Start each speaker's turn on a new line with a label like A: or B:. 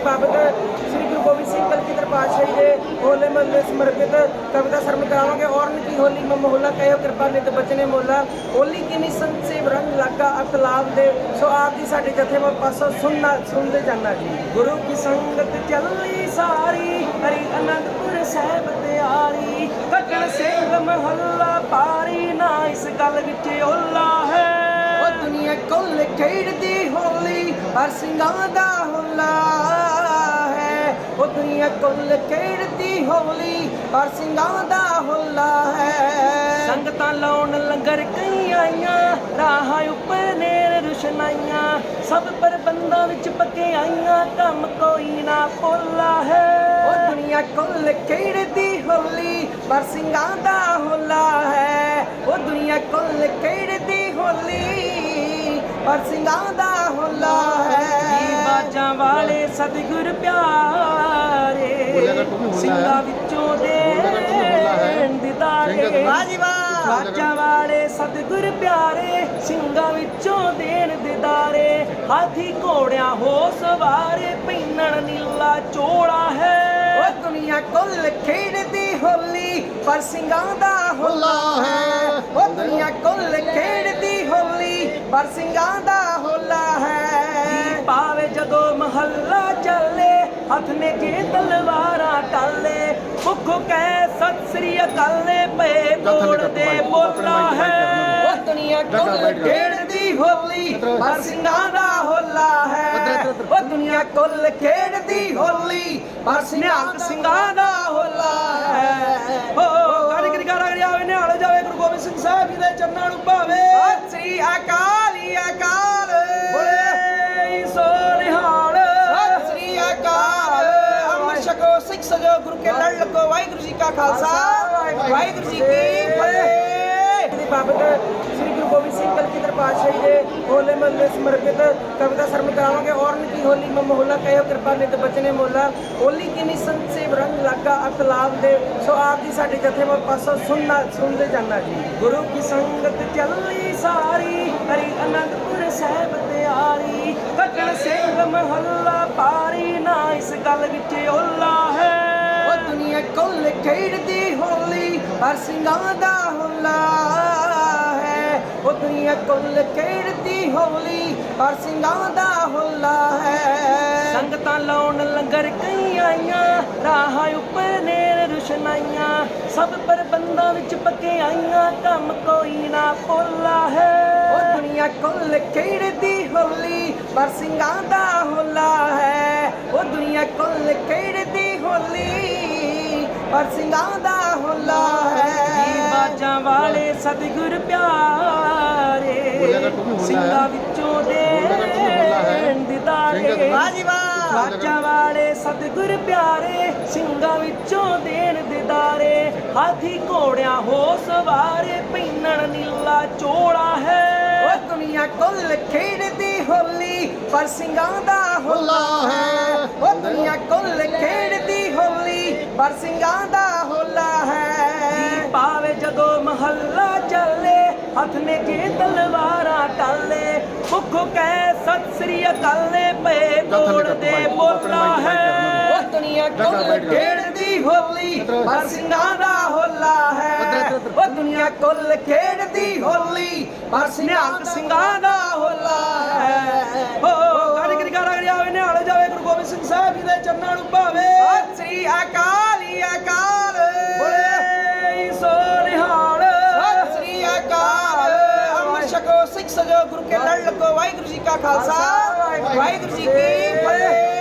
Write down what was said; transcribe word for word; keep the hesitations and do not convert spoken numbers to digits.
A: बाबत श्री गुरु गोबिंद सिंह कलगीधर पातशाही के होले महल्ले समर्पित कविता श्रवण करावांगे। और की होली में मोहल्ला कहो कृपा नित बचने मोला, होली की निसंत से रंग लगा अतलाब दे। सो आप जी साडे जथे में पासों सुनना सुनते जाना जी। गुरु की संगत चली सारी हरि आनंदपुर साहिब तैयारी, कटन सिंह महल्ला पारी ना इस गल विच ओला है। दुनिया कुल खेड़दी होली हर सिंगां दा होला है। ओ दुनिया कुल खेड़दी होली हर सिंगां दा होला है। संगतां लाउण लंगर कई आईयां, राह उपर नेर रुशनाइयां, सब प्रबंधां विच पक्के आईयां, कम कोई ना भोला है। ओ दुनिया कुल खेड़दी होली हर सिंगां दा होला है। ओ दुनिया कुल खेड़दी होली पर सिंगां दा होला है। जी बाजां वाले सतगुर प्यारे, सिंगां विचों देण दिदारे। बाजां वाले सतगुर प्यारे, सिंगां विचों देण दिदारे। हाथी घोड़ियां हो सवारे, पैनण नीला चोला है। ओ दुनिया कुल खेड़दी होली पर सिंगां दा होला है। ओ दुनिया कुल खेड़दी होली पर सिंगां दा होला है। पावे जदों महल्ला चले, हथ ने जे तलवारां टाले, भुख कह सत श्री अकाल पे बोल दे बोला है। ओ दुनिया कुल खेड़दी होली पर सिंगां दा होला है। ओ दुनिया कुल खेड़दी होली पर सिंगां दा होला है। ओ कारीगरी कारीगरी आवे निहाल जावे, गुरु गोबिंद सिंह साहिब जी दे चरनां नूं भावे। सत श्री अकाल अकाल बोले सो निहाल। सत श्री अकाल अमर छको सिख सजो, गुरु के लड़ लगो। वाहिगुरु जी का खालसा वाहिगुरु जी की फतेह। बाबत श्री गुरु गोबिंद सिंह कलगीधर पातशाही के होले महल्ले समर्पित कविता श्रवण करावांगे। और की होली में मोहल्ला कहो कृपा नित बचने मोला, होली की निसंत से रंग लगा अतलाब दे। सो आप जी साडे जथे में पासों सुनना सुनते जाना जी। गुरु की संगत चली सारी हरि आनंदपुर साहिब तैयारी, कटन सिंह महल्ला पारी ना इस गल विच ओला है। ओ दुनिया कुल खेड़दी होली हर सिंगां दा होला है। ओ दुनिया कुल खेड़दी होली हर सिंगां दा होला है। संगतां लाउण लंगर कई आईयां, राह उपर नेर रुशनाइयां, सब प्रबंधां विच पक्के आईयां, कम कोई ना भोला है। ओ दुनिया कुल खेड़दी होली पर सिंगां दा होला है। ओ दुनिया कुल खेड़दी होली पर सिंगां दा होला है। जी बाजां वाले सतगुर प्यारे, सिंगां विचों देण दिदारे। बाजां वाले सतगुर प्यारे, सिंगां विचों देण दिदारे। हाथी घोड़ियां हो सवारे, पैनण नीला चोला है। ओ दुनिया कुल खेड़दी होली पर सिंगां दा होला है। ओ दुनिया कुल खेड़दी होली पर सिंगां दा होला है। पावे जदों महल्ला चले, हथ ने जे तलवारां टाले, भुख कह सत श्री अकाल पे बोल दे बोला है। ओ दुनिया कुल खेड़दी होली पर सिंगां दा होला है। ओ दुनिया कुल खेड़दी होली पर सिंगां दा होला है। ओ कारीगरी कारीगरी आवे निहाल जावे, गुरु गोबिंद सिंह साहिब जी दे चरनां नूं भावे। सत श्री अकाल अकाल बोले सो निहाल। सत श्री अकाल अमर छको सिख सजो, गुरु के लड़ लगो। वाहिगुरु जी का खालसा वाहिगुरु जी की फतेह।